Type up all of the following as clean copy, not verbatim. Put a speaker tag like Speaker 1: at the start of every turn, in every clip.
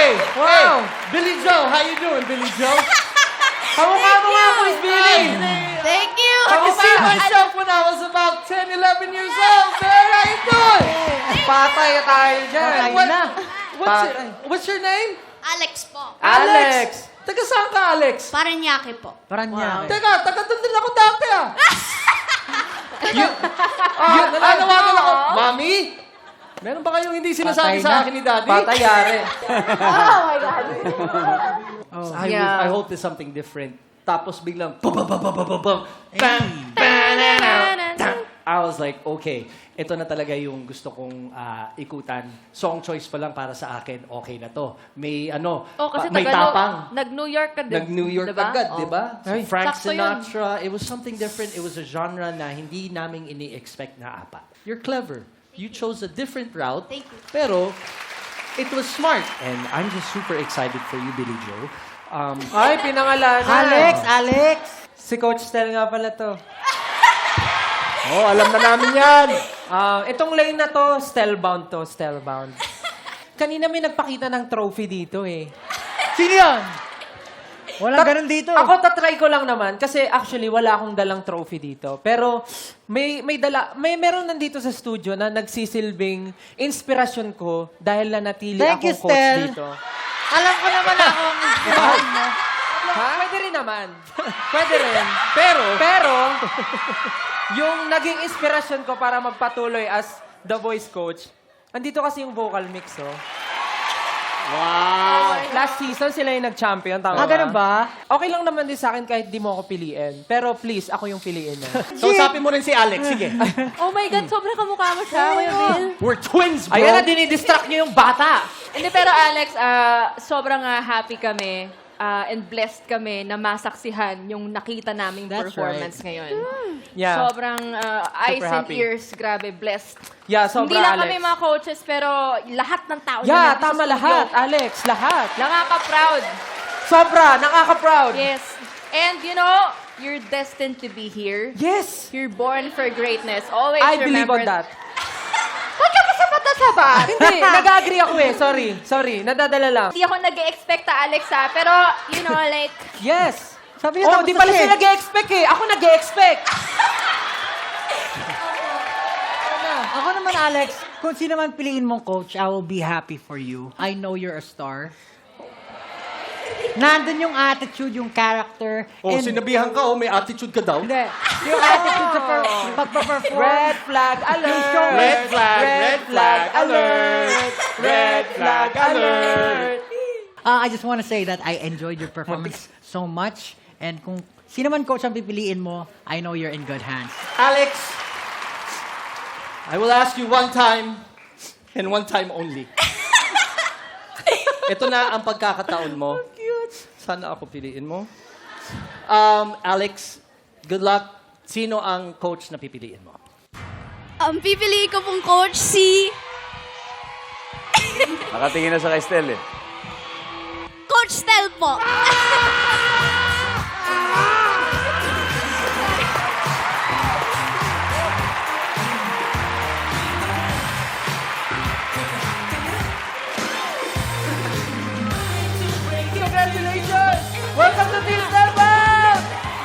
Speaker 1: Wow! Billy Joe, how you doing, Billy Joe?
Speaker 2: Kamukha mo nga ako, Miss Billy!
Speaker 3: Thank you!
Speaker 1: I can see myself when I was about 10, 11 years old, man. How you doing?
Speaker 2: Patay tayo dyan.
Speaker 1: What's your name?
Speaker 3: Alex po.
Speaker 2: Alex!
Speaker 1: Taga saan ka, Alex?
Speaker 3: Paranaque po.
Speaker 1: Teka, taga doon din ako dati, ah. Nanawagan ako. Mami? Meron ba kayong hindi sinasabi sa akin ni Daddy?
Speaker 2: Patayari.
Speaker 1: I hope there's something different. Tapos biglang, bam, I was like, okay, ito na talaga yung gusto kong ikutan. Song choice pa lang para sa akin, okay na to. May
Speaker 4: kasi
Speaker 1: may tapang.
Speaker 4: Nag-New York ka din.
Speaker 1: Nag-New York agad, di ba?
Speaker 2: Ay.
Speaker 1: Frank
Speaker 4: Sakto yun.
Speaker 1: Sinatra, it was something different. It was a genre na hindi namin ini-expect na apat. You're clever. You chose a different route.
Speaker 3: Thank you.
Speaker 1: Pero, it was smart. And I'm just super excited for you, Billy Joe.
Speaker 2: Ay, pinangalanan.
Speaker 5: Alex!
Speaker 2: Si Coach Stel nga pala to.
Speaker 1: Oh, alam na namin yan.
Speaker 2: Itong lane na to, Stelbound to, Stelbound. Kanina may nagpakita ng trophy dito eh.
Speaker 5: Sino yan? Walang ganun dito.
Speaker 2: Ako tatry ko lang naman kasi actually wala akong dalang trophy dito. Pero meron nandito sa studio na nagsisilbing inspirasyon ko dahil nanatili
Speaker 5: Thank you,
Speaker 2: akong coach
Speaker 5: Stel.
Speaker 2: dito.
Speaker 5: Alam ko naman ako ang inspirahan mo.
Speaker 2: Ha? Pwede rin naman. Pwede rin. Pero, yung naging inspirasyon ko para magpatuloy as The Voice coach, andito kasi yung vocal mix, oh.
Speaker 1: Wow.
Speaker 2: Last season, sila yung nag-champion, tama
Speaker 5: Ganun ba?
Speaker 2: Okay lang naman din sa akin kahit di mo ako piliin. Pero please, ako yung piliin mo.
Speaker 1: So, usapin mo rin si Alex. Sige.
Speaker 4: Oh my God, sobrang kamukha mo siya, Kuya Bill.
Speaker 1: We're twins, bro.
Speaker 2: Ayan na, dinidistract niyo yung bata.
Speaker 4: Hindi, pero Alex, sobrang happy kami and blessed kami na masaksihan yung nakita naming
Speaker 5: That's
Speaker 4: performance ngayon.
Speaker 2: Yeah.
Speaker 4: Sobrang eyes and
Speaker 2: happy.
Speaker 4: ears, grabe, blessed.
Speaker 2: Yeah, sobra,
Speaker 4: Hindi lang
Speaker 2: Alex.
Speaker 4: kami mga coaches, pero lahat ng tao
Speaker 2: Yeah,
Speaker 4: nandito sa
Speaker 2: tama
Speaker 4: studio.
Speaker 2: lahat, Alex. Lahat.
Speaker 4: Nakaka-proud.
Speaker 2: Sobra, nakaka-proud.
Speaker 4: Yes. And you know, you're destined to be here.
Speaker 2: Yes.
Speaker 4: You're born for greatness. Always
Speaker 2: I believe
Speaker 4: remember
Speaker 2: on that.
Speaker 4: Huwag ka pa sapat.
Speaker 2: Hindi, nag-agree ako eh. Sorry. Nadadala lang.
Speaker 4: Hindi ako nag-expect Alex pero you know, like,
Speaker 2: Yes.
Speaker 5: Sabi niya,
Speaker 2: Oh,
Speaker 5: tapos
Speaker 2: di pala
Speaker 5: na siya
Speaker 2: siya nag-expect eh. Ako nag-expect.
Speaker 5: Ako naman, Alex, kung sino man piliin mong coach, I will be happy for you. I know you're a star. Nandun yung attitude, yung character.
Speaker 1: Oh,
Speaker 5: and-
Speaker 1: sinabihan ka, may attitude ka daw.
Speaker 5: Hindi. Yung attitude sa pagpa-perform.
Speaker 2: Red flag alert.
Speaker 1: Red flag alert. Red flag alert.
Speaker 5: I just want to say that I enjoyed your performance so much. And kung sino man coach ang pipiliin mo, I know you're in good hands.
Speaker 1: Alex, I will ask you one time and one time only. Ito na ang pagkakataon mo. Sana ako piliin mo. Alex, good luck. Sino ang coach na pipiliin mo?
Speaker 3: Ang pipiliin ko pong coach si
Speaker 6: Nakatingin na sa kay Stel eh.
Speaker 3: Coach Stel po.
Speaker 2: Congratulations! Welcome to Team Stelbound!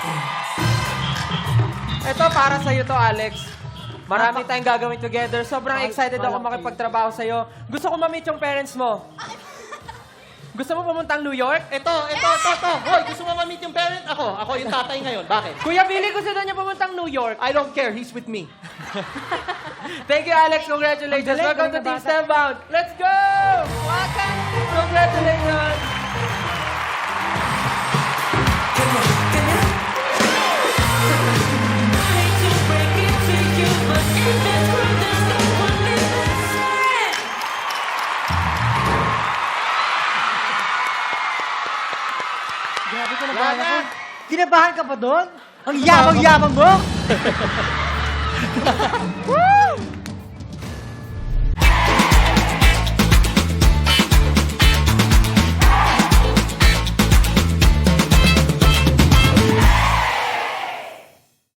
Speaker 2: Ito, para sa'yo to, Alex. Marami tayong gagawin together. Sobrang excited ako makipagtrabaho sa'yo. Gusto ko ma-meet yung parents mo. Gusto mo pumuntang New York?
Speaker 1: Ito. Hoy, gusto mo ma-meet yung parent? Ako yung tatay ngayon. Bakit?
Speaker 2: Kuya Billy, gusto daw niya pumuntang New York.
Speaker 1: I don't care. He's with me.
Speaker 2: Thank you, Alex. Congratulations. Welcome to Team Stelbound. Let's go! Welcome! Congratulations!
Speaker 5: Grabe ka nabahan ako. Kinabahan ka pa doon? Ang yabang-yabang mo!